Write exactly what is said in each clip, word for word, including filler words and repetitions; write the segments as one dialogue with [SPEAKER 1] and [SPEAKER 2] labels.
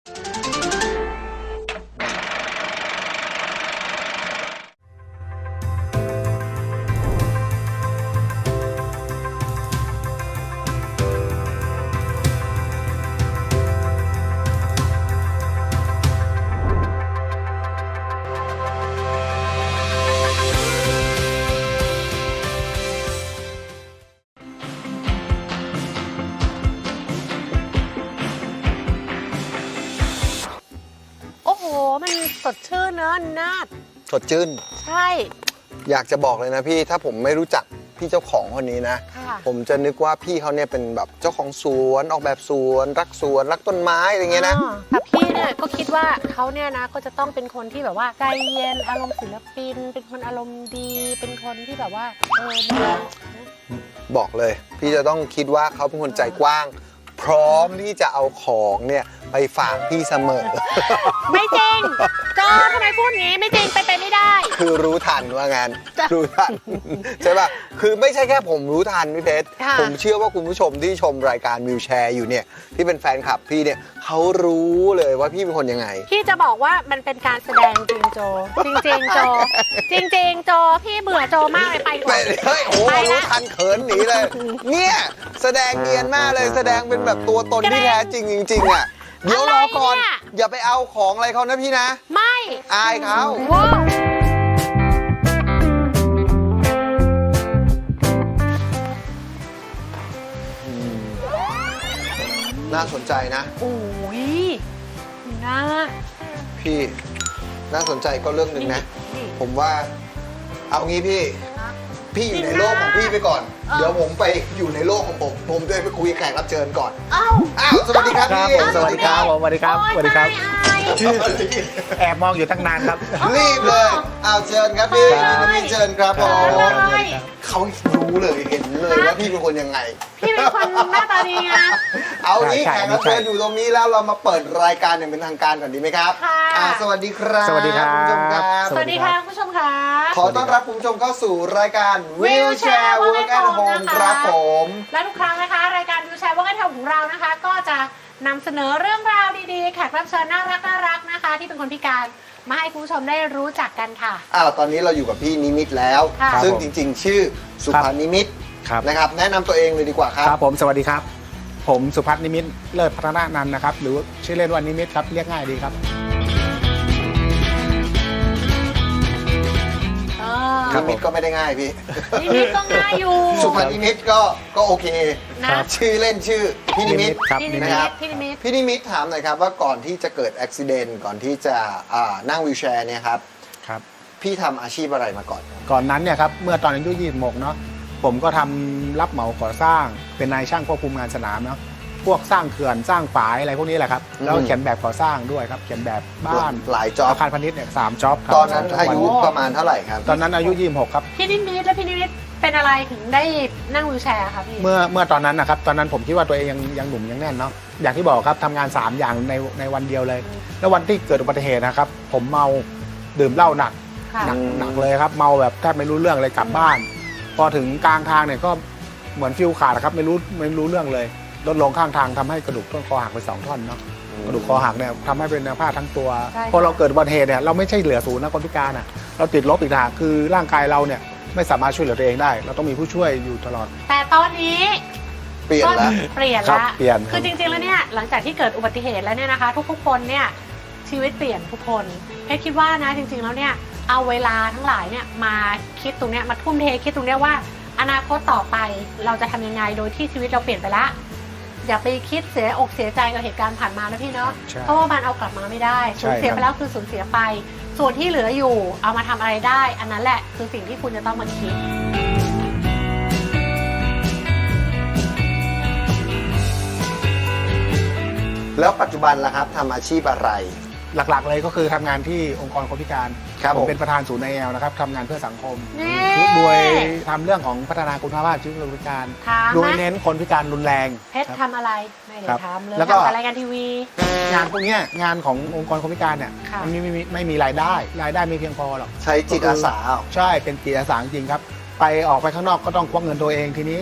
[SPEAKER 1] มันสดชื่นเนอะนาด
[SPEAKER 2] สดชื่น
[SPEAKER 1] ใช่
[SPEAKER 2] อยากจะบอกเลยนะพี่ถ้าผมไม่รู้จักพี่เจ้าของคนนี้นะผมจะนึกว่าพี่เขาเนี่ยเป็นแบบเจ้าของสวนออกแบบสวนรักสวนรักต้นไม้อะไรเงี้ยนะ
[SPEAKER 1] แต่พี่เนี่ยก็คิดว่าเขาเนี่ยนะก็จะต้องเป็นคนที่แบบว่าใจเย็นอารมณ์ศิลปินเป็นคนอารมณ์ดีเป็นคนที่แบบว่าเออ
[SPEAKER 2] บอกเลยพี่จะต้องคิดว่าเขาเป็นคนใจกว้างพร้อมที่จะเอาของเนี่ยไปฝากพี่เสมอ
[SPEAKER 1] ไม่จริงจอทำไมพูดงี้ไม่จริงไปไปไม่ได้
[SPEAKER 2] คือรู้ทันว่างานรู้ทันใช่ป่ะคือไม่ใช่แค่ผมรู้ทันพี่เพชรผมเชื่อว่าคุณผู้ชมที่ชมรายการวิวแชร์อยู่เนี่ยที่เป็นแฟนคลับพี่เนี่ยเขารู้เลยว่าพี่เป็นคนยังไง
[SPEAKER 1] พี่จะบอกว่ามันเป็นการแสดงจริงโจจริงจริงโจจริงจริงโจพี่เบื่อโจมากเลยไปก่อน
[SPEAKER 2] เฮ้ยโอ้รู้ทันเขินหนีเลยเนี่ยแสดงเนียนมากเลยแสดงเป็นแบบตัวตนที่แท้จริงจริงๆอ่ะเดี๋ยวรอก่อนอย่าไปเอาของอะไรเขานะพี่นะ
[SPEAKER 1] ไม่
[SPEAKER 2] อายเขาน่าสนใจนะ
[SPEAKER 1] โอ้ยน่า
[SPEAKER 2] พี่น่าสนใจก็เรื่องหนึ่งนะผมว่าเอางี้พี่พี่อยู่ในโลกของพี่ไปก่อนเดี๋ยวผมไปอยู่ในโลกของผมผมด้วยไปคุยแขกรับเชิญก่อนอ้าวอ้าวสวัสดีครับพี่
[SPEAKER 3] สวัสดีครับสวัสดีครับสวัสดีครับแอบมองอยู่ตั้งนานครับ
[SPEAKER 2] รีบเลยอ้าวเชิญครับพี่พี่เชิญครับผมเขารู้เลยเห็นเลยว่าพี่เป็นคนยังไง
[SPEAKER 1] พี่เป็นคนหน้าตาดีไง
[SPEAKER 2] เอางี้แขกรับเชิญอยู่ตรงนี้แล้วเรามาเปิดรายการอย่างเป็นทางการก่อนดีไหมครับค่ะสวัสดีครับ
[SPEAKER 3] สวัสดีครับ
[SPEAKER 2] คุณผู้ชมครับ
[SPEAKER 1] สวัสดีค่ะคุณผู้ชมครับ
[SPEAKER 2] ขอต้อนรับคุณผู้ชมเข้าสู่รายการ Wheelchair Work at Home ครับผม
[SPEAKER 1] และทุกครั้งนะคะรายการ Wheelchair Work at Home ของเรานะคะก็จะนำเสนอเรื่องราวดีๆแขกรับเชิญน่ารักน่ารักนะคะที่เป็นคนพิการมาให้คุณผู้ชมได้รู้จักกันค่ะ
[SPEAKER 2] อ้าวตอนนี้เราอยู่กับพี่นิมิตแล้วซึ่งจริงๆชื่อสุภานิมิตนะครับแนะนำตัวเองเลยดีกว่าครับ
[SPEAKER 3] ครับผมสวัสดีครับผมสุภัทรนิมิตเลิศพัฒนานันท์นะครับหรือชื่อเล่นว่านิมิตครับเรียกง่ายดีครับ
[SPEAKER 2] นิมิตก็ไม่ได้ง่ายพี่
[SPEAKER 1] นิมิตก็ง่ายอยู่
[SPEAKER 2] สุภานิมิตก็ก็โอเคชื่อเล่นชื่อพี่นิมิตนะครับ
[SPEAKER 1] พี่นิมิต
[SPEAKER 2] พี่นิมิตถามหน่อยครับว่าก่อนที่จะเกิดอุบัติเหตุก่อนที่จะนั่งวีลแชร์เนี่ยครับ
[SPEAKER 3] ครับ
[SPEAKER 2] พี่ทำอาชีพอะไรมาก่อน
[SPEAKER 3] ก่อนนั้นเนี่ยครับเมื่อตอนอายุยี่สิบหกเนาะผมก็ทำรับเหมาก่อสร้างเป็นนายช่างควบคุมงานสนามเนาะพวกสร้างเขื่อนสร้างฝายอะไรพวกนี้แหละครับแล้วเขียนแบบก่อสร้างด้วยครับเขียนแบบบ้าน
[SPEAKER 2] หลายจ็อบ
[SPEAKER 3] อาคารพาณิชย์เนี่ยสามจ็อบ
[SPEAKER 2] ตอนนั้นอายุประมาณเท่าไหร่ครับ
[SPEAKER 3] ตอนนั้นอายุยี่สิบหกครับ
[SPEAKER 1] พี่นิมิตและพี่นิมิตเป็นอะไรถึงได้นั่งวีลแชร์ครับพี่
[SPEAKER 3] เมื่อเมื่อตอนนั้นนะครับตอนนั้นผมคิดว่าตัวเองยังยังหนุ่มยังแน่นเนาะอย่างที่บอกครับทำงานสามอย่างในในวันเดียวเลยแล้ววันที่เกิดอุบัติเหตุนะครับผมเมาดื่มเหล้าหนักหนักหนักเลยครับเมาแบบแทบไม่รู้เรื่องเลยกลับบ้านพอถึงกลางทางเนี่ยก็เหมือนฟิวขาดครับไม่รู้ไม่รู้เรื่องเลยรถลงข้างทางทำให้กระดูกต้นคอหักไปสองท่อนเนาะกระดูกคอหักเนี่ยทำให้เป็นเนื้อผ้าทั้งตัวพอเราเกิดอุบัติเหตุเนี่ยเราไม่ใช่เหลือศูนย์นะคนพิการอ่ะเราติดลบอีกทางคือร่างกายเราเนี่ยไม่สามารถช่วยเหลือตัวเองได้เราต้องมีผู้ช่วยอยู่ตลอด
[SPEAKER 1] แต่ตอนนี้
[SPEAKER 2] เปลี่ยนแล้ว
[SPEAKER 1] เปลี่ยนแล้ว
[SPEAKER 3] เปลี่ยน
[SPEAKER 1] คือจริงๆแล้วเนี่ยหลังจากที่เกิดอุบัติเหตุแล้วเนี่ยนะคะทุกๆคนเนี่ยชีวิตเปลี่ยนทุกคนเพชรคิดว่านะจริงๆแล้วเนี่ยเอาเวลาทั้งหลายเนี่ยมาคิดตรงเนี้ยมาทุ่มเทคิดตรงเนี้ยว่าอนาคตต่อไปเราจะทำยังไงโดยที่ชีวิตเราเปลี่ยนไปละอย่าไปคิดเสียอกเสียใจกับเหตุการณ์ผ่านมานะพี่เนาะเพราะว่ามันเอากลับมาไม่ได้สูญเสียไปแล้วคือสูญเสียไปส่วนที่เหลืออยู่เอามาทำอะไรได้อันนั้นแหละคือสิ่งที่คุณจะต้องมาคิด
[SPEAKER 2] แล้วปัจจุบันล่ะครับทำอาชีพอะไร
[SPEAKER 3] หลักๆเลยก็คือทำงานที่องค์กรคนพิการผมเป็นประธานศูนย์ ไอ แอล นะครับทำงานเพื่อสังคมโดยทำเรื่องของพัฒนาคุณภาพชีวิตคนพิการโดยเน้นคนพิการรุนแรง
[SPEAKER 1] เพชรทำอะไรไม่ได้ทำเลยทำแต่รายการทีวี
[SPEAKER 3] งานพวกนี้งานขององค์กรคนพิการเนี่ยมันไม่มีไม่มีรายได้รายได้ไม่เพียงพอหรอก
[SPEAKER 2] ใช้จิตอาสา
[SPEAKER 3] ใช่เป็นจิตอาสาจริงครับไปออกไปข้างนอกก็ต้องควักเงินตัวเองทีนี้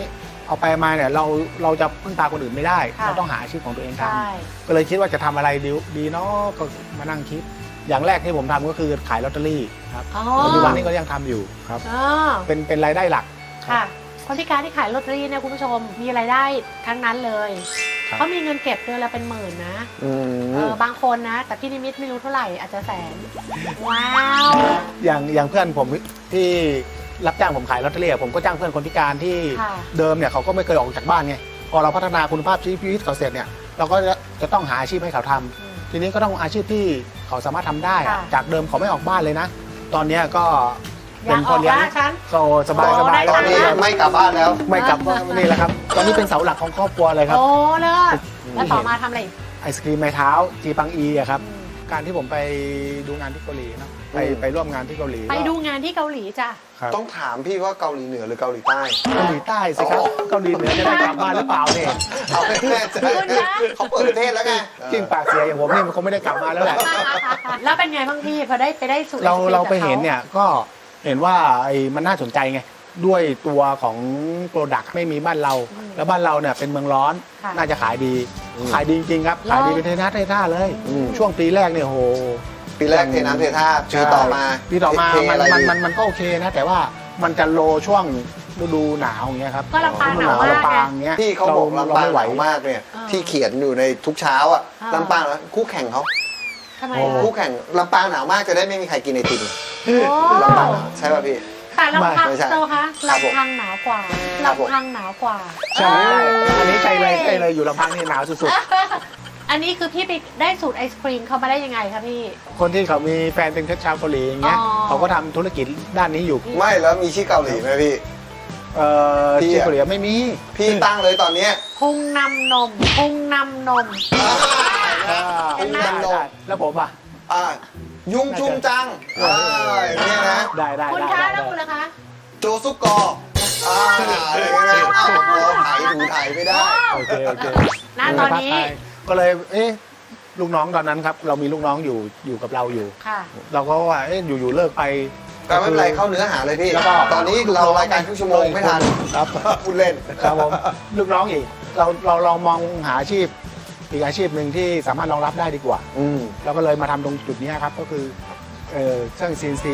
[SPEAKER 3] เอาไปมาเนี่ยเราเราจะพึ่งพาคนอื่นไม่ได้
[SPEAKER 1] ค่ะ
[SPEAKER 3] เราต้องหาอาชีพของตัวเองท
[SPEAKER 1] ใช่
[SPEAKER 3] ำก็เลยคิดว่าจะทำอะไรดีดีเนาะก็มานั่งคิด อย่างแรกที่ผมทำก็คือขายลอตเตอรี่ครับ
[SPEAKER 1] อ๋อ
[SPEAKER 3] ปัจจุบันนี้ก็ยังทำอยู่ครับ
[SPEAKER 1] อ๋อ
[SPEAKER 3] เป็นเป็นรายได้หลัก
[SPEAKER 1] ค่ะ คนพิการที่ขายลอตเตอรี่เนี่ยคุณผู้ชมมีรายได้ทั้งนั้นเลย
[SPEAKER 3] ครับ
[SPEAKER 1] เขามีเงินเก็บเดือนละเป็นหมื่นนะ
[SPEAKER 2] อื
[SPEAKER 1] เอ
[SPEAKER 2] ม
[SPEAKER 1] อบางคนนะ แต่พี่นิมิตไม่รู้เท่าไหร่อาจจะแสน ว้าว
[SPEAKER 3] อย่างอย่างเพื่อนผมที่รับจ้างผมขายลอตเตอรี่อะผมก็จ้างเพื่อนคนพิการที่
[SPEAKER 1] ค่ะ
[SPEAKER 3] เดิมเนี่ยเขาก็ไม่เคยออกจากบ้านไงพอเราพัฒนาคุณภาพชีวิตเขาเสร็จเนี่ยเราก็จะจะต้องหาอาชีพให้เขาทำ
[SPEAKER 1] อืม
[SPEAKER 3] ทีนี้ก็ต้องอาชีพที่เขาสามารถทำได้อะ
[SPEAKER 1] ค่ะ
[SPEAKER 3] จากเดิมเขาไม่ออกบ้านเลยนะ ตอนเนี้ยก็
[SPEAKER 1] อยากออกละฉัน
[SPEAKER 3] ก็สบาย
[SPEAKER 1] โอ้
[SPEAKER 3] สบาย
[SPEAKER 1] ได้
[SPEAKER 2] ตอนนี้
[SPEAKER 1] ค่ะ
[SPEAKER 2] ไม่กลับบ้านแล้ว
[SPEAKER 3] ไม่กลับว่านี่แหละครับ ตอนนี้เป็นเสาหลักของครอบครัวเลยครับ
[SPEAKER 1] โอ้เลิศแล้วต่อมาทำอะไรอีก
[SPEAKER 3] ไอศครีมไม้เท้าจีปังอีอะครับ
[SPEAKER 1] อืม
[SPEAKER 3] การที่ผมไปดูงานที่เกาหลีเนาะไป
[SPEAKER 2] อืม
[SPEAKER 3] ไปร่วมงานที่เกาหลี
[SPEAKER 1] ไปดูงานที่เกาหลีจ้ะ
[SPEAKER 3] ครับ
[SPEAKER 2] ต้องถามพี่ว่าเกาหลีเหนือหรือเกาหลีใต้
[SPEAKER 3] เกาหลีใต้สิครับ
[SPEAKER 2] อ๋อ
[SPEAKER 3] เกาหลีเหนือจะได้กลับบ้านหรือเปล่าเนี่ย
[SPEAKER 2] เอาไม่แน่ใจ
[SPEAKER 1] คุณคะ
[SPEAKER 2] เขาเปิดประเทศแล้วไง
[SPEAKER 3] จิ้งปากเสียอย่างผมนี่มันคงไม่ได้กลับมาแล้วแหละ
[SPEAKER 1] แล้วเป็นไงบ้างพี่พอได้ไปได้สูตร
[SPEAKER 3] เรา
[SPEAKER 1] ไอศกม
[SPEAKER 3] เราไป
[SPEAKER 1] จากข
[SPEAKER 3] เห็นเนี่ยก็เห็นว่าไอ้มันน่าสนใจไงด้วยตัวของโปรดักต์ไม่มีบ้านเรา แล้วบ้านเราเนี่ยเป็นเมืองร้อน
[SPEAKER 1] ค่ะ
[SPEAKER 3] น่าจะขายดี
[SPEAKER 2] อืม
[SPEAKER 3] ขายดีจริงๆครับ
[SPEAKER 1] เหรอ
[SPEAKER 3] ขายดีเป็นเทน้ำเทท่าเลย
[SPEAKER 2] อืม
[SPEAKER 3] ช่วงปีแรกเนี่ยโห
[SPEAKER 2] ปีแรกเทน้ำเทท่าปีต่อมา
[SPEAKER 3] ปีต่อมา
[SPEAKER 2] เท
[SPEAKER 3] มัน
[SPEAKER 2] อะไร
[SPEAKER 3] มัน
[SPEAKER 2] ดี
[SPEAKER 3] มันมันก็โอเคนะ แต่ว่ามันจะโลช่วงฤดูหนาวอย่างเงี้ยครับ
[SPEAKER 1] ก็ลำปางหนาวมาก
[SPEAKER 3] ลำปาง
[SPEAKER 1] ไง
[SPEAKER 3] เงี้ย
[SPEAKER 2] พี่เขาบอก
[SPEAKER 3] ร
[SPEAKER 2] ลำปาง
[SPEAKER 3] ไม่
[SPEAKER 2] ห
[SPEAKER 3] ไหว
[SPEAKER 2] นาวมากเนี่ย
[SPEAKER 1] อ่า
[SPEAKER 2] ที่เขียนอยู่ในทุกเช้าอ่ะ
[SPEAKER 1] อ่า
[SPEAKER 2] ลำปางแล้วคู่แข่งเขา
[SPEAKER 1] ทำไม
[SPEAKER 3] โอ้
[SPEAKER 1] อะ
[SPEAKER 2] คู่แข่งลำปางหนาวมากจะได้ไม่มีใครกินไอติม
[SPEAKER 1] โอ้
[SPEAKER 2] ลำปางหนาวใช่ป่ะพี่
[SPEAKER 1] แต่ลำพัง
[SPEAKER 2] ไม่ใช่
[SPEAKER 1] โตคะ
[SPEAKER 2] ครับผม
[SPEAKER 1] ลำพังหนาวกว่า
[SPEAKER 2] ครับผม
[SPEAKER 1] ลำพังหนาวกว่า
[SPEAKER 3] ใช่อันนี้ใจเลยใจเลยอยู่ลำพังนี่หนาวสุด
[SPEAKER 1] อันนี้คือพี่ไปได้สูตรไอศครีมเขามาได้ยังไงคะพี่
[SPEAKER 3] ๆ คนที่เขามีแฟนเป็นชาวเกาหลีอย่างเงี้ย
[SPEAKER 1] อ๋อ
[SPEAKER 3] เขาก็ทำธุรกิจด้านนี้อยู่
[SPEAKER 2] ไม่แล้วมีชื่อเกาหลีไหมพี่
[SPEAKER 3] เอ่อ
[SPEAKER 2] พี่
[SPEAKER 3] ที่
[SPEAKER 2] อะ
[SPEAKER 3] เกาหลีไม่มี
[SPEAKER 2] พี่ตั้งเลยตอนเนี้ย
[SPEAKER 1] พุงนำนมพุงนำนม
[SPEAKER 3] อ่า
[SPEAKER 1] เห็นไหม
[SPEAKER 3] ได้ได้แล้วผมอ่ะ
[SPEAKER 2] อ่ายุงจุงจังอ่าอย่างเงี้ยนะ
[SPEAKER 3] ได้ได้
[SPEAKER 1] คุณ
[SPEAKER 3] ได้
[SPEAKER 1] คะ
[SPEAKER 3] ได้
[SPEAKER 1] แล้วคุณล่ะคะ
[SPEAKER 2] โจซุกกออ่าอะไรอย่างเงี้ยนะเอ้าพอถ่ายถูถ่ายไม่ได้
[SPEAKER 3] โอเคโอเค
[SPEAKER 1] ณตอนนี้
[SPEAKER 3] ก็เลยเอ๊ะลูกน้องตอนนั้นครับ เรามีลูกน้องอยู่อยู่กับเราอยู่
[SPEAKER 1] ค่ะ
[SPEAKER 3] เราก็ว่าเอ๊ะอยู่ๆเลิกไป
[SPEAKER 2] แต่ไม่เป็นไรเข้าเนื้อหาเลยพี่
[SPEAKER 3] แล้วก็
[SPEAKER 2] ตอนนี้เรารายการครึ่งชั่วโมงไม่ทัน
[SPEAKER 3] ครับ
[SPEAKER 2] พูดเล่น
[SPEAKER 3] ครับผมลูกน้องอีกเราเราลองมองหาอาชีพ อีกอาชีพหนึ่งที่สามารถรองรับได้ดีกว่า
[SPEAKER 2] อืม
[SPEAKER 3] เราก็เลยมาทำตรงจุดนี้ครับก็คือเอ่อเครื่อง ซี เอ็น ซี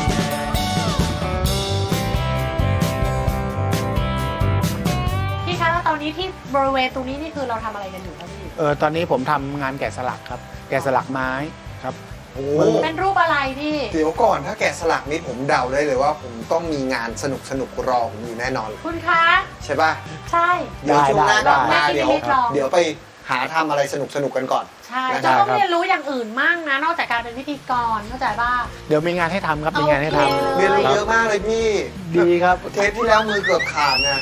[SPEAKER 1] พี่คะแล้วตอนนี้ที่บริเวณตรงนี้นี่คือเราทำอะไรกันอยู่คะพี่
[SPEAKER 3] เออตอนนี้ผมทำงานแกะสลักครับ แกะสลักไม้ครับ
[SPEAKER 2] โอ้
[SPEAKER 1] เป็นรูปอะไรพี่
[SPEAKER 2] เดี๋ยวก่อนถ้าแกะสลักนี้ผมเดาได้เลยว่า ผมต้องมีงานสนุกสนุกๆรอผมอยู่แน่นอน
[SPEAKER 1] คุณคะ
[SPEAKER 2] ใช่ป่ะ
[SPEAKER 1] ใช่
[SPEAKER 2] เดี๋ยวช่วงหน้ากลับมา
[SPEAKER 1] ได้ได้
[SPEAKER 2] เดี๋ยว
[SPEAKER 1] ได้ได้
[SPEAKER 2] เดี๋ยวไปหาทำอะไรสนุกสนุกๆกันก่อน
[SPEAKER 1] ใช่
[SPEAKER 2] ได้
[SPEAKER 1] จะต้อง
[SPEAKER 3] ครับ
[SPEAKER 1] เรียนรู้อย่างอื่นมั่งนะ นอกจากการเป็นพิธีกรเข้าใจป่ะ
[SPEAKER 3] เดี๋ยวมีงานให้ทำครับมีงานให้ทำ
[SPEAKER 1] โอเค
[SPEAKER 2] เรียนรู้
[SPEAKER 3] คบ
[SPEAKER 2] เยอะมากเลยพี่
[SPEAKER 3] ดีครับ
[SPEAKER 2] เทปที่แล้วมือเกือบขาดนะ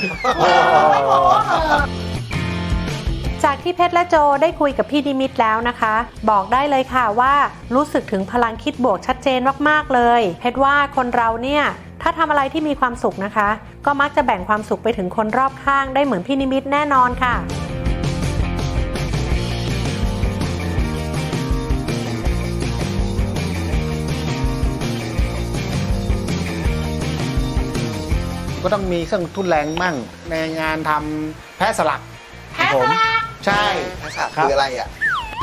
[SPEAKER 1] จากที่เพชรและโจได้คุยกับพี่ดิมิตแล้วนะคะ บอกได้เลยค่ะว่ารู้สึกถึงพลังคิดบวกชัดเจนมากๆเลย เพชรว่าคนเราเนี่ยถ้าทำอะไรที่มีความสุขนะคะ ก็มักจะแบ่งความสุขไปถึงคนรอบข้างได้เหมือนพี่นิมิตแน่นอนค่ะ
[SPEAKER 3] ก็ต้องมีเครื่องทุนแรงมั่งในงานทำแพะสลัก
[SPEAKER 1] แพะ
[SPEAKER 3] ผม
[SPEAKER 1] สลัก
[SPEAKER 3] ใช่
[SPEAKER 2] ภาษา
[SPEAKER 3] ครับ
[SPEAKER 2] คืออะไรอ่ะ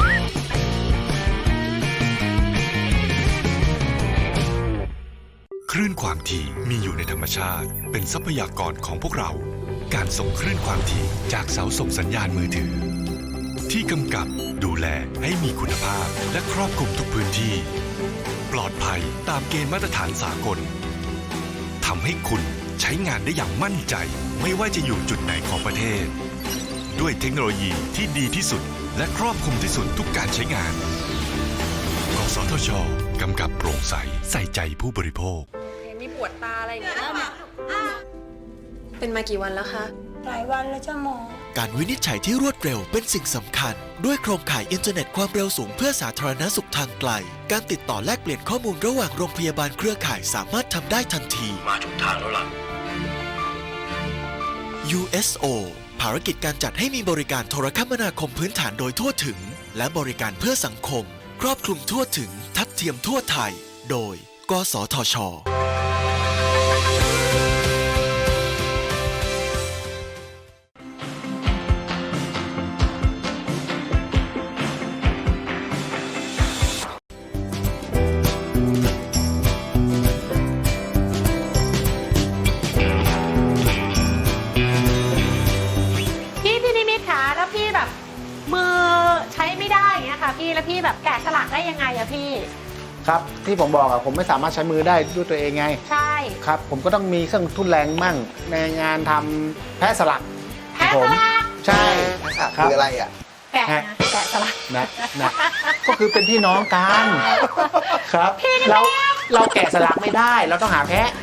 [SPEAKER 4] คลื่นความถี่มีอยู่ในธรรมชาติ เป็นทรัพยากรของพวกเรา การส่งคลื่นความถี่จากเสาส่งสัญญาณมือถือ ที่กำกับดูแลให้มีคุณภาพและครอบคลุมทุกพื้นที่ ปลอดภัยตามเกณฑ์มาตรฐานสากลทำให้คุณใช้งานได้อย่างมั่นใจ ไม่ว่าจะอยู่จุดไหนของประเทศ ด้วยเทคโนโลยีที่ดีที่สุด และครอบคลุมที่สุดทุกการใช้งานกสทช.กำกับโปร่งใสใส่ใจผู้บริโภค
[SPEAKER 5] มีปวดตาอะไรอย่างเงี้ยเป็นมากี่วันแล้วคะ
[SPEAKER 6] หลายวันแล้วจ้าหมอ
[SPEAKER 7] การวินิจฉัยที่รวดเร็วเป็นสิ่งสำคัญ ด้วยโครงข่ายอินเทอร์เน็ตความเร็วสูงเพื่อสาธารณสุขทางไกล การติดต่อแลกเปลี่ยนข้อมูลระหว่างโรงพยาบาลเครือข่ายสามารถทำได้ทันที มาถูกทางแล้วล่ะ ยู เอส โอ ภารกิจการจัดให้มีบริการโทรคมนาคมพื้นฐานโดยทั่วถึง และบริการเพื่อสังคม ครอบคลุมทั่วถึง ทัดเทียมทั่วไทย โดย กสทช
[SPEAKER 1] แล้วพี่แบบแกะสลักได้ยังไงอะพี่
[SPEAKER 3] ครับที่ผมบอกอะผมไม่สามารถใช้มือได้ด้วยตัวเองไง
[SPEAKER 1] ใช่
[SPEAKER 3] ครับผมก็ต้องมีเครื่องทุนแรงมั่งในงานทำแพะสลัก
[SPEAKER 1] แพะ
[SPEAKER 3] ผ
[SPEAKER 1] ส
[SPEAKER 3] ม
[SPEAKER 1] ลัก
[SPEAKER 3] ใช่
[SPEAKER 2] ทักษะ
[SPEAKER 3] ครับ
[SPEAKER 2] คืออะไรอ่ะ
[SPEAKER 1] แกะนะแกะสลัก
[SPEAKER 3] นะนะก็คือเป็นพี่น้องกันครับ
[SPEAKER 1] พี่นี่
[SPEAKER 3] เราเราแกะสลักไม่ได้ เราต้องหาแพะ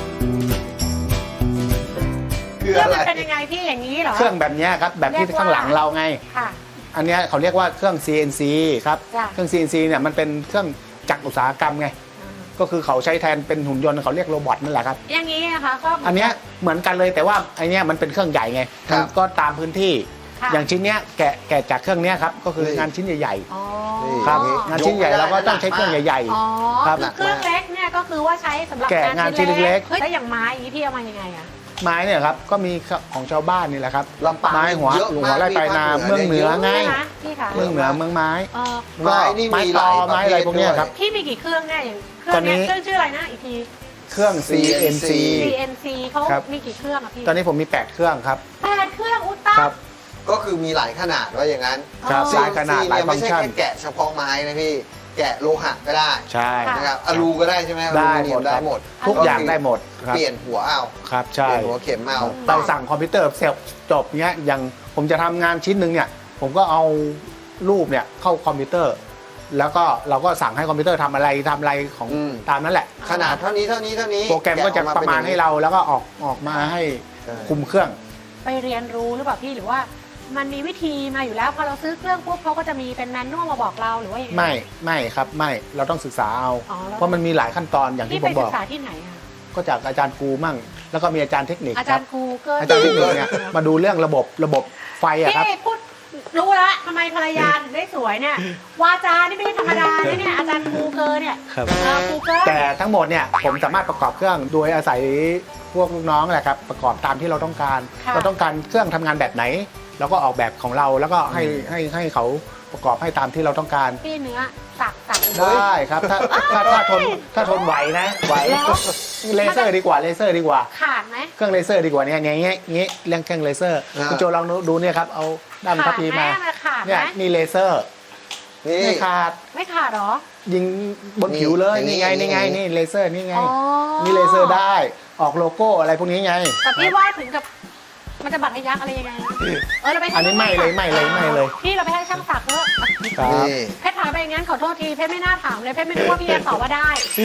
[SPEAKER 2] คือ
[SPEAKER 1] เครื่อง
[SPEAKER 2] อะไร
[SPEAKER 1] มันเป็นยังไงพี่อย่างนี้เหรอ
[SPEAKER 3] เครื่องแบบเนี้ยครับแบบที่
[SPEAKER 1] เรียกว่า
[SPEAKER 3] ข้างหลังเราไง
[SPEAKER 1] ค่ะ
[SPEAKER 3] อันเนี้ยเขาเรียกว่าเครื่อง ซี เอ็น ซี ครับ
[SPEAKER 1] จ้ะ
[SPEAKER 3] เครื่อง ซี เอ็น ซี เนี่ยมันเป็นเครื่องจักรอุตสาหกรรมไง ก็คือเขาใช้แทนเป็นหุ่นยนต์เขาเรียกโรบอทนั่นแหละครับ
[SPEAKER 1] อย่างนี้นะคะก็
[SPEAKER 3] อันเนี้ยเหมือนกันเลยแต่ว่าไอเนี้ยมันเป็นเครื่องใหญ่ไง
[SPEAKER 2] ครับ
[SPEAKER 3] มันก็ตามพื้นที่
[SPEAKER 1] ค่ะ
[SPEAKER 3] อย่างชิ้นเนี้ยแกะแกะจากเครื่องเนี้ยครับก็คืองานชิ้นใหญ่
[SPEAKER 1] อ๋อ
[SPEAKER 3] ๆครับงานชิ้นใหญ่เราก็ต้องใช้เครื่องใหญ่
[SPEAKER 1] อ๋อ
[SPEAKER 3] ครับ
[SPEAKER 1] คือเครื่องเล็กเนี่ยก็คือว่าใช้สำหรับ
[SPEAKER 3] แกะงานชิ้นเล็กๆ
[SPEAKER 1] ฮ้ยแล้วอย่างไม้อย่างนี้พี่เอามายังไงอะ
[SPEAKER 3] ๆ ไม้เนี่ยครับก็มีของชาวบ้านนี่แหละครับ
[SPEAKER 2] ลำปาง
[SPEAKER 3] ไม้หัว
[SPEAKER 2] เยอะ
[SPEAKER 3] หัว
[SPEAKER 2] มาก
[SPEAKER 3] ไร่ปลายนา
[SPEAKER 2] พี่
[SPEAKER 3] เมืองเหนือ
[SPEAKER 2] ภาคเหนือ
[SPEAKER 3] ไง
[SPEAKER 1] ใช่ไหมพี่คะ
[SPEAKER 3] เมืองเหนือเมืองไม้
[SPEAKER 1] เออ
[SPEAKER 2] ไม้นี่
[SPEAKER 3] ไม้
[SPEAKER 2] มี
[SPEAKER 3] ต
[SPEAKER 2] ห
[SPEAKER 3] อ
[SPEAKER 2] ลาย
[SPEAKER 3] ไม้อะไรพวกเนี้ยครับ
[SPEAKER 1] พี่มีกี่เครื่องเนี่ยอย่างเครื่อง
[SPEAKER 3] ตอนนี้
[SPEAKER 1] เนี้ยเครื่องชื่ออะไรนะอีกที
[SPEAKER 3] เครื่อง ซี เอ็น ซี
[SPEAKER 1] ซี เอ็น ซี เขา
[SPEAKER 3] ครับ
[SPEAKER 1] มีกี่เครื่องอะพี่
[SPEAKER 3] ตอนนี้ผมมีแปดเครื่องครับ
[SPEAKER 1] แปดเครื่องอุยตา
[SPEAKER 3] ครับ
[SPEAKER 2] ก็คือมีหลายขนาดว่าอย่างนั้น
[SPEAKER 3] ครับ
[SPEAKER 1] อ๋อ
[SPEAKER 3] หลายขนาดหลาย
[SPEAKER 2] เนี่ย
[SPEAKER 3] ฟั
[SPEAKER 2] ไม่
[SPEAKER 3] งก์
[SPEAKER 2] ใช่
[SPEAKER 3] ชัน
[SPEAKER 2] แค่แกะเฉพาะไม้นะพี่ แกะโลหะก็ได้
[SPEAKER 3] ใช่
[SPEAKER 1] ค่ะ
[SPEAKER 2] นะครับอลูก็ได้ใช่ไหมอลู
[SPEAKER 3] ได้
[SPEAKER 2] มิเนี
[SPEAKER 3] หม
[SPEAKER 2] ย
[SPEAKER 3] ด
[SPEAKER 2] มได้
[SPEAKER 3] ครับ
[SPEAKER 2] หมด
[SPEAKER 3] ทุกอย่างได้หมดครับ
[SPEAKER 2] เปลี่ยนหัวเอา
[SPEAKER 3] ครับ
[SPEAKER 2] เป
[SPEAKER 3] ใช่
[SPEAKER 2] ลี่ยนหัวเข็มเอา
[SPEAKER 3] เราสั่งคอมพิวเตอร์เสร็จจบเนี้ยอย่างผมจะทำงานชิ้นหนึ่งเนี่ยผมก็เอารูปเนี่ยเข้าคอมพิวเตอร์ แล้วก็เราก็สั่งให้คอมพิวเตอร์ทำอะไรทำอะไรของ
[SPEAKER 2] อืม
[SPEAKER 3] ตามนั้นแหละ
[SPEAKER 2] ขนาดเท่านี้เท่านี้เท่านี้
[SPEAKER 3] โปรแกรมก็จะประมาณให้เราแล้วก็ออกออกมาให้
[SPEAKER 2] ใช่
[SPEAKER 3] คุมเครื่อง
[SPEAKER 1] ไปเรียนรู้หรือเปล่าพี่หรือว่า มันมีวิธีมาอยู่แล้วพอเราซื้อเครื่องปุ๊บเขาก็จะมีเป็นแมนนวลมาบอกเราหรือว่าอย่างไร
[SPEAKER 3] ไม่ไม่ครับไม่เราต้องศึกษาเอา
[SPEAKER 1] อ๋อแล้ว
[SPEAKER 3] เพราะมันมีหลายขั้นตอนอย่าง
[SPEAKER 1] พี่
[SPEAKER 3] ที่ผ
[SPEAKER 1] ไป
[SPEAKER 3] มบ
[SPEAKER 1] ศึ
[SPEAKER 3] อก
[SPEAKER 1] กษาที่ไหนอะ
[SPEAKER 3] ก็จากอาจารย์ครูมั่ง แล้วก็มีอาจารย์เทคนิค
[SPEAKER 1] อา
[SPEAKER 3] ค
[SPEAKER 1] จา
[SPEAKER 3] รั
[SPEAKER 1] ร
[SPEAKER 3] บ
[SPEAKER 1] ย์ครูเกิน
[SPEAKER 3] อาจารย์เทคนิคเนี่ยมาดูเรื่องระบบระบบไฟอะครับ
[SPEAKER 1] พี่พูดรู้ละทำไมภรรยาถึงได้สวยเนี่ยวาจานี่ไม่ใช่ธรรมดานะเนี่ยอาจารย์ครูเกินเนี่ย
[SPEAKER 3] ครับ
[SPEAKER 1] เออครูเกิน
[SPEAKER 3] แต่ทั้งหมดเนี่ยผมสามารถประกอบเครื่องโดยอาศัยพวกลูกน้องแหละครับประกอบตามที่เราต้องการ
[SPEAKER 1] ค่ะ
[SPEAKER 3] เราต้องการเครื่องทำงานแบบไหนเราก็ออกแบบของเราแล้วก็ให้ให้ให้เขาประกอบให้ตามที่เราต้องการ
[SPEAKER 1] พี่เนื้อสักสัก
[SPEAKER 3] ได้ครับถ้าถ้าถ้าทนถ้าทนไหวนะไหว
[SPEAKER 1] แล้ว
[SPEAKER 3] เลเซอร์ดีกว่าเลเซอร์ดีกว่า
[SPEAKER 1] ขาดไหม
[SPEAKER 3] เครื่องเลเซอร์ดีกว่าเนี่ยเงี้ยเงี้ยเงี้ยเรื่องเครื่องเลเซอร์
[SPEAKER 2] อ่า
[SPEAKER 3] คุณโจลองดูเนี่ยครับเอาด้าม
[SPEAKER 1] ขา
[SPEAKER 3] ทั
[SPEAKER 1] ด
[SPEAKER 3] พพี
[SPEAKER 1] ไหม
[SPEAKER 3] มา
[SPEAKER 1] มันขาดไห
[SPEAKER 3] เนี่
[SPEAKER 1] ม
[SPEAKER 3] ยนี่เลเซอร์
[SPEAKER 2] นี่
[SPEAKER 3] ไม่ขาด
[SPEAKER 1] ไม่ขาดเหรอ
[SPEAKER 3] ยิงบนผิวเลย
[SPEAKER 2] นี่
[SPEAKER 3] นี่ไง
[SPEAKER 2] นี่
[SPEAKER 3] นี่ไง
[SPEAKER 2] นี่
[SPEAKER 3] นี่เลเซอร์นี่ไง
[SPEAKER 1] อ๋อ
[SPEAKER 3] นี่เลเซอร์ได้ออกโลโก้อะไรพวกนี้ไง
[SPEAKER 1] แต่พี่ว่าถึงกับมันจะบัตรทะยักอะไรยังไงนะเออเราไปให้
[SPEAKER 3] อันนี้ไม่เลยไม่เลยไม่เลย
[SPEAKER 1] พี่เราไปให้ช่างสักเถอะ
[SPEAKER 3] ครับ
[SPEAKER 2] นี่
[SPEAKER 1] เพชรถามไปอย่างนั้นขอโทษทีเพชรไม่น่าถามเลยเพชรไม่รู้ว่าพี่จะตอบว่าได้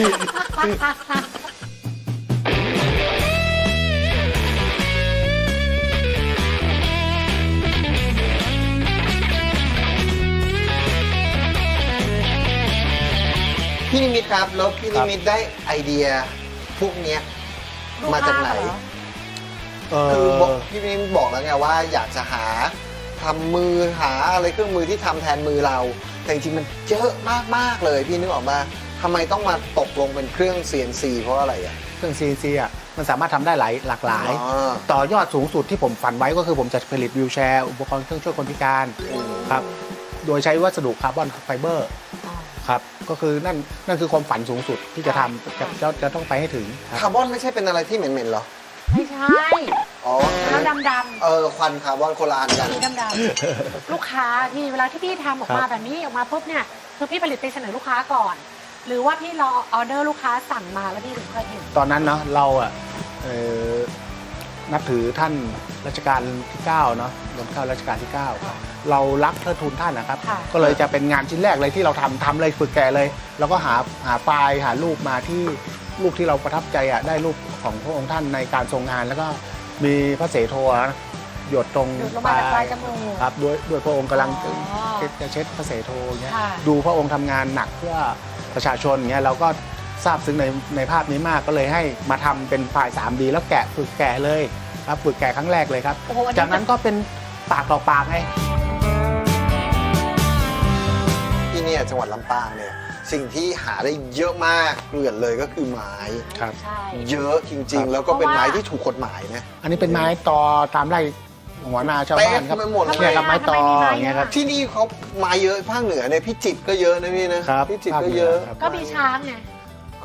[SPEAKER 2] พี่นิมิตครับแล้วพี่นิมิตได้ไอเดียพวกเนี้ยมาจากไหน
[SPEAKER 3] เอ
[SPEAKER 2] คือ
[SPEAKER 3] อ
[SPEAKER 2] บอกพี่นิมิตบอกแล้วไงว่าอยากจะหาทำมือหาอะไรเครื่องมือที่ทำแทนมือเรา แต่จริงๆมันเยอะมากๆเลยพี่นึกออกมาทำไมต้องมาตกลงเป็นเครื่อง ซี เอ็น ซี เพราะอะไรอ่ะ
[SPEAKER 3] เครื่อง ซี เอ็น ซี อ่ะมันสามารถทำได้หลายหลากหลาย
[SPEAKER 2] อ๋อ
[SPEAKER 3] ต่อยอดสูงสุดที่ผมฝันไว้ก็คือผมจะผลิตวิวแชร์ อุปกรณ์เครื่องช่วยคนพิการครับโดยใช้วัสดุคาร์บอนไฟเบอร์ครับก็คือนั่นนั่นคือความฝันสูงสุดที่จะทำจะจะจะต้องไปให้ถึงครับ
[SPEAKER 2] คาร์บอนไม่ใช่เป็นอะไรที่เหม็นๆเหรอ
[SPEAKER 1] ไม่ใช่
[SPEAKER 2] อ๋อ
[SPEAKER 1] แล้วดำดำ
[SPEAKER 2] เออควันคาร์บอนโคนละอันกัน
[SPEAKER 1] สีดำดำลูกค้าที่เวลาที่พี่ทำออกมาแบบนี้ออกมาปุ๊บเนี่ยคือพี่ผลิตไปเสนอลูกค้าก่อน หรือว่าพี่รอออเดอร์ลูกค้าสั่งมาแล้วพี่ถึงค่อยเห็น
[SPEAKER 3] ตอนนั้นเนาะเราอ่ะเอ่อนับถือท่านรัชกาลที่เก้าเนาะรัชกาลรัชกาลที่เก้าเรารักเทิดทูนท่านนะครับ
[SPEAKER 1] ค่ะ
[SPEAKER 3] ก็เลยจะเป็นงานชิ้นแรกเลยที่เราทำทำเลยฝึกแกะเลย แล้วก็หาหาไฟล์หารูปมาที่รูปที่เราประทับใจอ่ะได้รูปของพระองค์ท่านในการทรงงาน แล้วก็มีพระเสโทนะหยดตรง
[SPEAKER 1] หยุดลงมาจากปลายจมูก
[SPEAKER 3] ครับด้วยด้วยพระองค์กำลัง
[SPEAKER 1] อ๋อ
[SPEAKER 3] จะเช็ดพระเสโทอย่างเงี้ย
[SPEAKER 1] ค่ะ
[SPEAKER 3] ดูพระองค์ทำงานหนักเพื่อประชาชนอย่างเงี้ยเราก็ทราบซึ้งในในภาพนี้มากก็เลยให้มาทำเป็นไฟล์ ทรี ดี แล้วแกะฝึกแกะเลยครับฝึกแกะครั้งแรกเลยครับ
[SPEAKER 1] โอ้โหอันนี้
[SPEAKER 3] จากนั้นก็เป็นปากต่อปากไง
[SPEAKER 2] ที่เนี่ยจังหวัดลำปางเนี่ยสิ่งที่หาได้เยอะมากเกลื่อนเลยก็คือไม้
[SPEAKER 3] ครับ
[SPEAKER 1] ใช่
[SPEAKER 2] เยอะจริง ๆ แล้วก็เป็นไม้ที่ถูกกฎหมายนะ
[SPEAKER 3] อันนี้เป็นไม้ตอตามไร่หัวนาชาวบ้านครับ
[SPEAKER 2] เต็มไปหมดเลย
[SPEAKER 3] เนี่ยครับไม้ตออย่างเงี้ยครับ
[SPEAKER 2] ที่นี่เขาไม้เยอะภาคเหนือเนี่ยพิจิตรก็เยอะนะพี่นะครับ พิจิตรก็เยอะ
[SPEAKER 3] ภาคเหนือครับ
[SPEAKER 1] ก็มีช้างไง
[SPEAKER 2] ก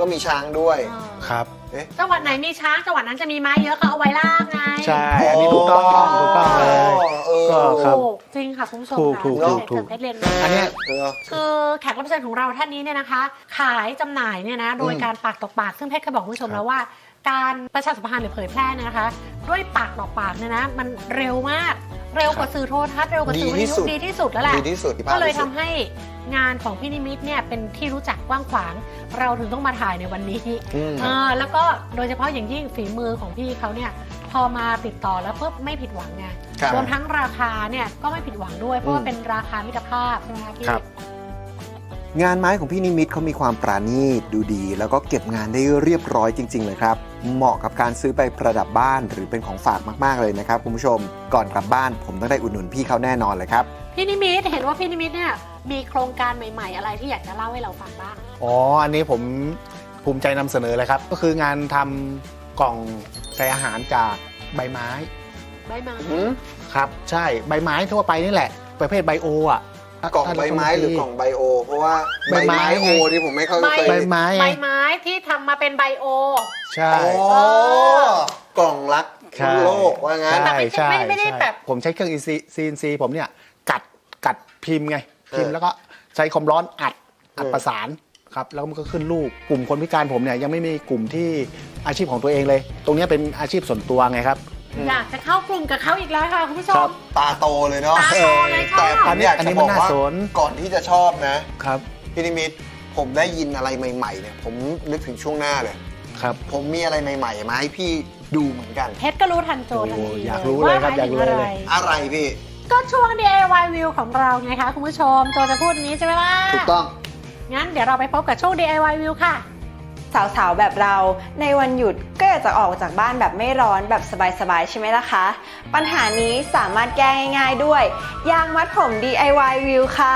[SPEAKER 2] ก็มีช้างด้วย
[SPEAKER 1] เออ
[SPEAKER 3] ครับ
[SPEAKER 2] เอ๊ะ
[SPEAKER 1] จังหวัดไหนมีช้างจังหวัดนั้นจะมีไม้เยอะเขาเอาไว้ลากไง
[SPEAKER 3] ใช่อันนี้ถูกต้องถูกต้องเลย
[SPEAKER 2] เออ
[SPEAKER 3] ก็ครับ
[SPEAKER 1] ถูกจริงค่ะคุณผู้ชม
[SPEAKER 3] ถูก
[SPEAKER 1] ค่ะ
[SPEAKER 3] ถูก
[SPEAKER 1] เดี๋ยว
[SPEAKER 3] ถูก
[SPEAKER 1] เพชรเรียน
[SPEAKER 3] อันเนี้ย
[SPEAKER 2] เออ
[SPEAKER 1] คือแขกรับเชิญของเราท่านนี้เนี่ยนะคะ ขายจำหน่ายเนี่ยนะโดย
[SPEAKER 2] อืม
[SPEAKER 1] การปากต่อปากซึ่งเพชรเคยบอกคุณผู้ชม
[SPEAKER 3] ครับ
[SPEAKER 1] แล้วว่า การประชาสัมพันธ์หรือเผยแพร่เนี่ยนะคะ ด้วยปากต่อปากเนี่ยนะมันเร็วมากเร็วกว่าสื่อโทรทัศน์เร็วกว่าสื่อวิทยุดีที่สุดแล้วแหละ
[SPEAKER 2] ดีที่สุด
[SPEAKER 1] ก็เลย
[SPEAKER 2] ที่
[SPEAKER 1] ทำ
[SPEAKER 2] สุด
[SPEAKER 1] ให้งานของพี่นิมิตเนี่ยเป็นที่รู้จักกว้างขวาง เราถึงต้องมาถ่ายในวันนี้
[SPEAKER 2] อืม
[SPEAKER 1] เออแล้วก็โดยเฉพาะอย่างยิ่งฝีมือของพี่เขาเนี่ยพอมาติดต่อแล้วปุ๊บไม่ผิดหวังไง
[SPEAKER 2] ครับ
[SPEAKER 1] รวมทั้งราคาเนี่ยก็ไม่ผิดหวังด้วยเพราะว่า
[SPEAKER 2] อืม
[SPEAKER 1] เป็นราคามิตรภาพใช่ไหมคะพี่
[SPEAKER 3] ครับ
[SPEAKER 6] งานไม้ของพี่นิมิตเขามีความปราณีตดูดี แล้วก็เก็บงานได้เรียบร้อยจริง ๆ เลยครับ เหมาะกับการซื้อไปประดับบ้านหรือเป็นของฝากมากๆเลยนะครับคุณผู้ชมก่อนกลับบ้านผมต้องได้อุดหนุนพี่เขาแน่นอนเลยครับ
[SPEAKER 1] พี่นิมิตเห็นว่าพี่นิมิตเนี่ยมีโครงการใหม่ ๆ อะไรที่อยากจะเล่าให้เราฟังบ้าง
[SPEAKER 3] อ๋ออันนี้ผมภูมิใจนำเสนอเลยครับ ก็คืองานทำกล่องใส่อาหารจากใบไม้
[SPEAKER 1] ใบไม้
[SPEAKER 2] อืม
[SPEAKER 3] ครับ ใช่ใบไม้ทั่วไปนี่แหละ ประเภทไบโออ่ะ
[SPEAKER 2] กล่องใบไม้หรือกล่องไบโอ เพราะว่า
[SPEAKER 3] ใบไม้
[SPEAKER 2] โอที่ผมไม่เข้าใจ
[SPEAKER 3] ใบไม้
[SPEAKER 1] ใบ
[SPEAKER 3] ไง
[SPEAKER 1] ไม้ที่ทำมาเป็นไบโอ
[SPEAKER 3] ใช่
[SPEAKER 2] โอ้กล่องรัก
[SPEAKER 3] ใช่
[SPEAKER 2] โลกว่างั้น
[SPEAKER 3] ใช่ใช่
[SPEAKER 1] ไม่ไม่ได้
[SPEAKER 3] ใช่
[SPEAKER 1] แบบ
[SPEAKER 3] ผมใช้เครื่อง ซี เอ็น ซี ผมเนี่ยกัดกัดพิมพ์ไง พิมพ์
[SPEAKER 2] เออ
[SPEAKER 3] แล้วก็ใช้ความร้อนอัดอัด
[SPEAKER 2] เออ
[SPEAKER 3] ประสานครับแล้วมันก็ขึ้นรูปกลุ่มคนพิการผมเนี่ยยังไม่มีกลุ่มที่อาชีพของตัวเองเลย ตรงเนี้ยเป็นอาชีพส่วนตัวไงครับ
[SPEAKER 1] อยากจะเข้ากลุ่มกับเขาอีกแล้วค่ะคุณผู้ช
[SPEAKER 3] ครั
[SPEAKER 1] ม
[SPEAKER 3] บ
[SPEAKER 2] ตาโตเลยเนาะ
[SPEAKER 1] ตาโตเลยชอบ
[SPEAKER 2] แต่ผมอยาก
[SPEAKER 3] อัน
[SPEAKER 2] จะ
[SPEAKER 3] นี้
[SPEAKER 2] บ
[SPEAKER 3] มั
[SPEAKER 2] อน ก
[SPEAKER 3] น่า
[SPEAKER 2] ว่า
[SPEAKER 3] สน
[SPEAKER 2] ก่อนที่จะชอบนะ
[SPEAKER 3] ครับ
[SPEAKER 2] พี่นิมิตผมได้ยินอะไรใหม่ๆเนี่ยผมนึกถึงช่วงหน้าเลย
[SPEAKER 3] ครับ
[SPEAKER 2] ผมมีอะไรใหม่ๆมาให้พี่ดูเหมือนกัน
[SPEAKER 1] เพชรก็รู้ทันโจทันที
[SPEAKER 3] โอ้อยากรู้เลยครับ
[SPEAKER 1] ว่หม
[SPEAKER 3] อยากรู้เลย
[SPEAKER 1] ถึงะไ
[SPEAKER 2] อะไรพี่
[SPEAKER 1] ก็ช่วง ดี ไอ วาย View ของเราไงคะคุณผู้ชมโจจะพูดอย่างนี้ใช่ไหมล่ะ
[SPEAKER 2] ถูกต้อง
[SPEAKER 1] งั้นเดี๋ยวเราไปพบกับช่วง ดี ไอ วาย View ค่ะ
[SPEAKER 5] สาวๆ แบบเราในวันหยุดก็อยากจะออกจากบ้านแบบไม่ร้อนแบบสบายๆ ใช่ไหมล่ะคะ ปัญหานี้สามารถแก้ง่ายๆด้วย ยางมัดผม ดี ไอ วาย View ค่ะ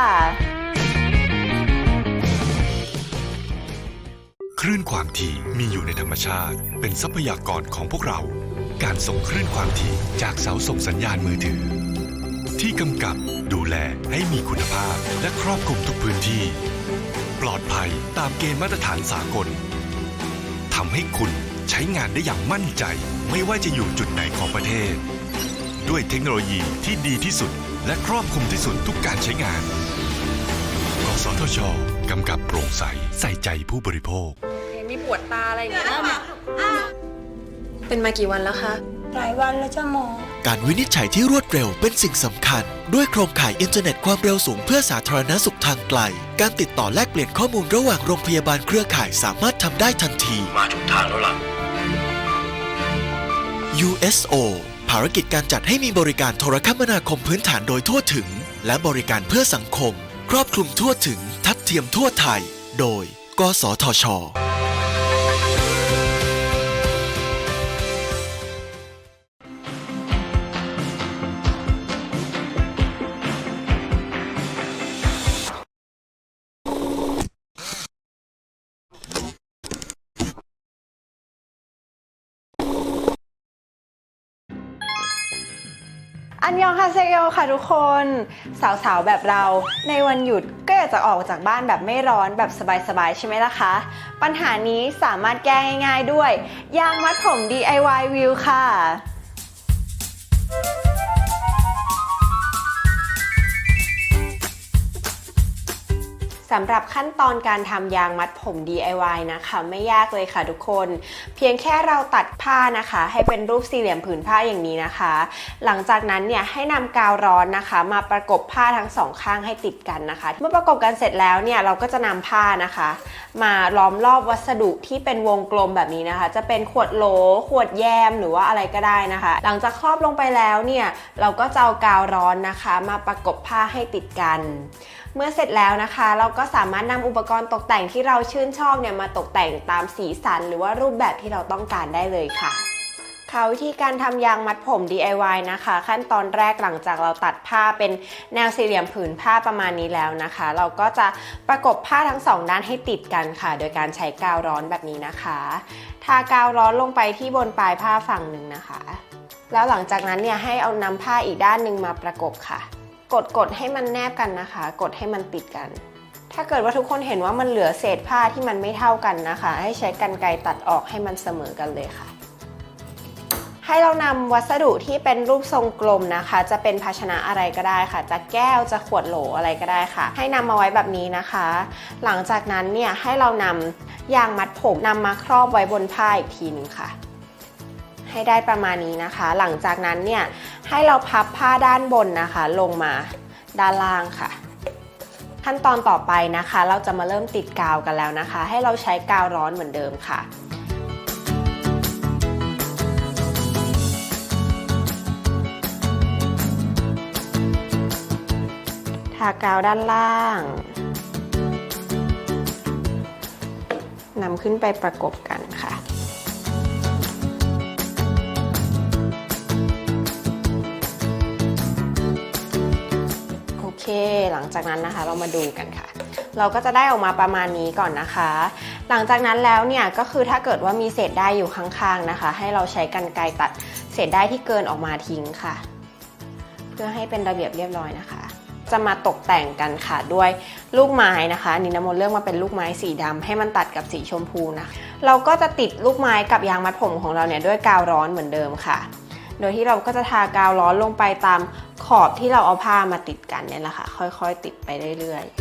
[SPEAKER 4] คลื่นความถี่มีอยู่ในธรรมชาติ เป็นทรัพยากรของพวกเรา การส่งคลื่นความถี่จากเสาส่งสัญญาณมือถือ ที่กำกับดูแลให้มีคุณภาพและครอบคลุมทุกพื้นที่ ปลอดภัยตามเกณฑ์มาตรฐานสากลทำให้คุณใช้งานได้อย่างมั่นใจ ไม่ว่าจะอยู่จุดไหนของประเทศ ด้วยเทคโนโลยีที่ดีที่สุด และครอบคลุมที่สุดทุกการใช้งานกสทชกำกับโปร่งใสใส่ใจผู้บริโภค
[SPEAKER 5] มีปวดตาอะไรอย่างเงี้ยเป็นมากี่วันแล้วคะ
[SPEAKER 8] หลายวันแล้วจ้าหมอ
[SPEAKER 7] การวินิจฉัยที่รวดเร็วเป็นสิ่งสำคัญ ด้วยโครงข่ายอินเทอร์เน็ตความเร็วสูงเพื่อสาธารณสุขทางไกล การติดต่อแลกเปลี่ยนข้อมูลระหว่างโรงพยาบาลเครือข่ายสามารถทำได้ทันที มาถูกทางแล้วล่ะ ยู เอส โอ ภารกิจการจัดให้มีบริการโทรคมนาคมพื้นฐานโดยทั่วถึง และบริการเพื่อสังคม ครอบคลุมทั่วถึง ทัดเทียมทั่วไทย โดย กสทช.
[SPEAKER 5] อันยองฮาเซโยค่ะทุกคน สาวๆ แบบเราในวันหยุดก็อยากจะออกจากบ้านแบบไม่ร้อนแบบสบายๆ ใช่ไหมล่ะคะ ปัญหานี้สามารถแก้ง่ายๆด้วย ยางมัดผม ดี ไอ วาย View ค่ะ สำหรับขั้นตอนการทำยางมัดผม ดี ไอ วาย นะคะไม่ยากเลยค่ะทุกคนเพียงแค่เราตัดผ้านะคะให้เป็นรูปสี่เหลี่ยมผืนผ้าอย่างนี้นะคะ หลังจากนั้นเนี่ยให้นำกาวร้อนนะคะมาประกบผ้าทั้งสองข้างให้ติดกันนะคะ เมื่อประกบกันเสร็จแล้วเนี่ยเราก็จะนำผ้านะคะมาล้อมรอบวัสดุที่เป็นวงกลมแบบนี้นะคะจะเป็นขวดโหลขวดแยมหรือว่าอะไรก็ได้นะคะ หลังจากครอบลงไปแล้วเนี่ยเราก็จะเอากาวร้อนนะคะมาประกบผ้าให้ติดกันเมื่อเสร็จแล้วนะคะเราก็สามารถนำอุปกรณ์ตกแต่งที่เราชื่นชอบเนี่ยมาตกแต่งตามสีสันหรือว่ารูปแบบที่เราต้องการได้เลยค่ะค่ะวิธีการทำยางมัดผม ดี ไอ วาย นะคะขั้นตอนแรกหลังจากเราตัดผ้าเป็นแนวสี่เหลี่ยมผืนผ้าประมาณนี้แล้วนะคะเราก็จะประกบผ้าทั้งสองด้านให้ติดกันค่ะโดยการใช้กาวร้อนแบบนี้นะคะทากาวร้อนลงไปที่บนปลายผ้าฝั่งหนึ่งนะคะแล้วหลังจากนั้นเนี่ยให้เอานำผ้าอีกด้านหนึ่งมาประกบค่ะกดกดให้มันแนบกันนะคะกดให้มันติดกันถ้าเกิดว่าทุกคนเห็นว่ามันเหลือเศษผ้าที่มันไม่เท่ากันนะคะ ให้ใช้กรรไกรตัดออกให้มันเสมอกันเลยค่ะให้เรานำวัสดุที่เป็นรูปทรงกลมนะคะ จะเป็นภาชนะอะไรก็ได้ค่ะจะแก้วจะขวดโหลอะไรก็ได้ค่ะให้นำมาไว้แบบนี้นะคะ หลังจากนั้นเนี่ยให้เรานำยางมัดผมนำมาครอบไว้บนผ้าอีกทีนึงค่ะให้ได้ประมาณนี้นะคะ หลังจากนั้นเนี่ยให้เราพับผ้าด้านบนนะคะลงมาด้านล่างค่ะขั้นตอนต่อไปนะคะเราจะมาเริ่มติดกาวกันแล้วนะคะให้เราใช้กาวร้อนเหมือนเดิมค่ะทากาวด้านล่างนำขึ้นไปประกบกันค่ะโอเคหลังจากนั้นนะคะเรามาดูกันค่ะเราก็จะได้ออกมาประมาณนี้ก่อนนะคะหลังจากนั้นแล้วเนี่ยก็คือถ้าเกิดว่ามีเศษด้ายอยู่ข้างๆนะคะให้เราใช้กรรไกรตัดเศษด้ายที่เกินออกมาทิ้งค่ะเพื่อให้เป็นระเบียบเรียบร้อยนะคะจะมาตกแต่งกันค่ะด้วยลูกไม้นะคะนี่น้ำมนต์เลือกมาเป็นลูกไม้สีดำให้มันตัดกับสีชมพูนะเราก็จะติดลูกไม้กับยางมัดผมของเราเนี่ยด้วยกาวร้อนเหมือนเดิมค่ะโดยที่เราก็จะทากาวร้อนลงไปตามขอบที่เราเอาผ้ามาติดกันเนี่ยแหละค่ะค่อยๆติดไปเรื่อย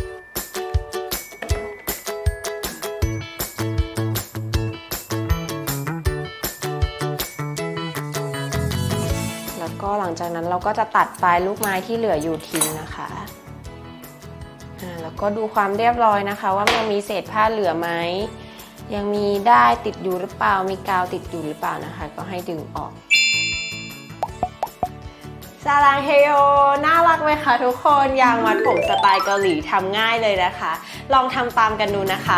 [SPEAKER 5] ๆแล้วก็หลังจากนั้นเราก็จะตัดปลายลูกไม้ที่เหลืออยู่ทิ้งนะคะแล้วก็ดูความเรียบร้อยนะคะว่ายังมีเศษผ้าเหลือไหมยังมีด้ายติดอยู่หรือเปล่ามีกาวติดอยู่หรือเปล่านะคะก็ให้ดึงออกซาลังเฮโยน่ารักไหมคะทุกคนยางมัดผมสไตล์เกาหลีทำง่ายเลยนะคะลองทำตามกันดูนะคะ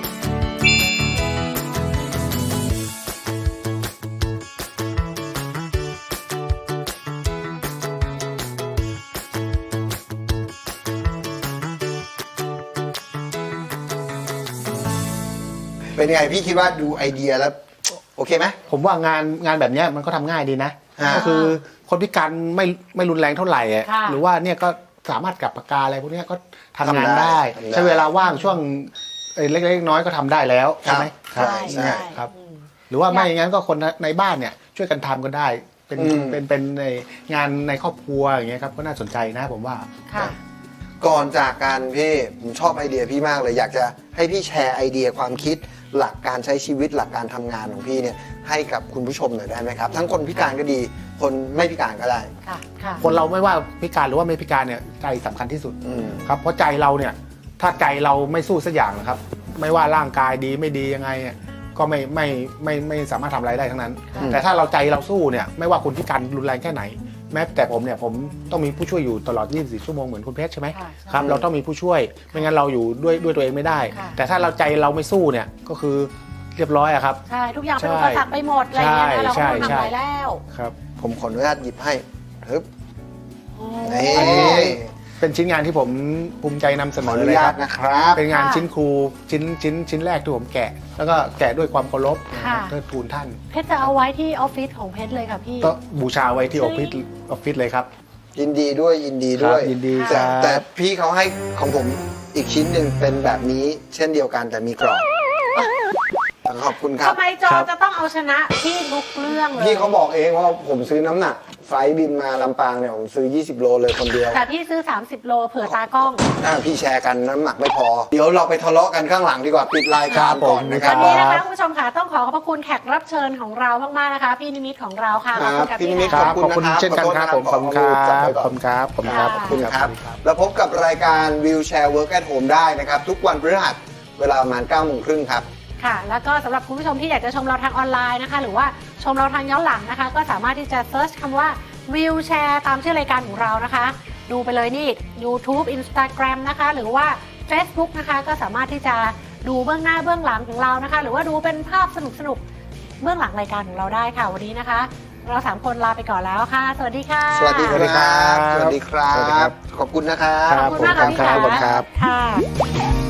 [SPEAKER 2] เป็นไงพี่คิดว่าดูไอเดียแล้วโอเคไหม
[SPEAKER 3] ผมว่างานงานแบบเนี้ยมันก็ทำง่ายดีนะก็คือคนพิการไม่ไม่รุนแรงเท่าไหร่อ่ะหรือว่าเนี่ยก็สามารถกับปากกาอะไรพวกนี้ก็ทำงานได้ใช้เวลาว่างช่วงเล็กๆน้อยก็ทำได้แล้วใช่ไหม
[SPEAKER 2] ใช่ใช่
[SPEAKER 3] ครับหรือว่าไม่อย่างนั้นก็คนในบ้านเนี่ยช่วยกันทำก็ได้เป็นเป็นเป็นในงานในครอบครัวอย่างเงี้ยครับก็น่าสนใจนะผมว่า
[SPEAKER 2] ก่อนจากกันพี่ผมชอบไอเดียพี่มากเลยอยากจะให้พี่แชร์ไอเดียความคิดหลักการใช้ชีวิตหลักการทำงานของพี่เนี่ยให้กับคุณผู้ชมหน่อยได้ไหมครับทั้งคนพิการก็ดีคนไม่พิการก็ได้
[SPEAKER 3] คนเราไม่ว่าพิการหรือว่าไม่พิการเนี่ยใจสำคัญที่สุดครับเพราะใจเราเนี่ยถ้าใจเราไม่สู้สักอย่างนะครับไม่ว่าร่างกายดีไม่ดียังไงก็ไม่ไม่ไม่ไม่สามารถทำอะไรได้ทั้งนั้นแต่ถ้าเราใจเราสู้เนี่ยไม่ว่าคุณพิการรุนแรงแค่ไหนแม้แต่ผมเนี่ยผมต้องมีผู้ช่วยอยู่ตลอดยี่สิบสี่ชั่วโมงเหมือนคุณเพชรใช่ไหมครับเราต้องมีผู้ช่วยไม่งั้นเราอยู่ด้วยด้วยตัวเองไม่ได้แต่ถ้าเราใจเราไม่สู้เนี่ยก็คือเรียบร้อยอะครับ
[SPEAKER 1] ใช่ทุกอย่างเป็นอุปสรรคไปหมดอะไรเงี้ยเราก็ไม่ทำอะไรแล้ว
[SPEAKER 3] ครับ
[SPEAKER 2] ผมขออนุญาตหยิบให้ฮึบ
[SPEAKER 3] นี่เป็นชิ้นงานที่ผมภูมิใจนำเสนอเลยครับเป็นงานชิ้นครูชิ้นชิ้นชิ้นแรกที่ผมแกะแล้วก็แกะด้วยความเคารพเทิดทูนท่าน
[SPEAKER 1] เพชรจะเอาไว้ที่ออฟฟิศของเพชรเลยค่ะพี่
[SPEAKER 3] ก็บูชาไว้ที่ออฟฟิศออฟฟิศเลยครับ
[SPEAKER 2] ยินดีด้วยยินดีด้วย
[SPEAKER 3] ยินดี
[SPEAKER 2] แต่แต่พี่เขาให้ของผมอีกชิ้นหนึ่งเป็นแบบนี้เช่นเดียวกันแต่มีกรอบขอบคุณครับ
[SPEAKER 1] ทำไมจอจะต้องเอาชนะพี่ทุกเรื่องเลย
[SPEAKER 2] พี่เขาบอกเองว่าผมซื้อน้ำหนักไฟบินมาลำปางเนี่ยผมซื้อยี่สิบโลเลยคนเดียว
[SPEAKER 1] แต่พี่ซื้อสามสิบโลเผื่อตากล้อง
[SPEAKER 2] อ่าพี่แชร์กันน้ำหนักไม่พอเดี๋ยวเราไปทะเลาะกันข้างหลังดีกว่าปิดรายการก่อนนะครับ
[SPEAKER 1] วันนี้นะคะคุณผู้ชมค่ะต้องขอขอบพระคุณแขกรับเชิญของเรามากๆนะคะพี่นิมิตของเราค่ะ
[SPEAKER 2] ขอบคุณครับพี่นิมิตขอบคุณ
[SPEAKER 3] เช่นกันครับผมขอบคุณครับขอบคุณครับขอบคุณครับ
[SPEAKER 2] ขอบคุณครับแล้วพบกับรายการ Wheelchair Work at Home ได้นะครับทุกวันพฤหัสเวลาประมาณเก้าโมงครึ่งครับ
[SPEAKER 1] ค่ะแล้วก็สำหรับคุณผู้ชมที่อยากจะชมเราทางออนไลน์นะคะหรือว่าชมเราทางย้อนหลังนะคะก็สามารถที่จะเซิร์ชคำว่า Wheelchair ตามชื่อรายการของเรานะคะดูไปเลยนี่ YouTube Instagram นะคะหรือว่า Facebook นะคะก็สามารถที่จะดูเบื้องหน้าเบื้องหลังของเรานะคะหรือว่าดูเป็นภาพสนุกๆเบื้องหลังรายการของเราได้ค่ะวันนี้นะคะเราสามคนลาไปก่อนแล้วค่ะสวัสดีค่ะ
[SPEAKER 2] สวัสดีครับสวัสดีครับขอบคุณนะครับ
[SPEAKER 1] ขอบคุณมากค่ะพี่ค่ะ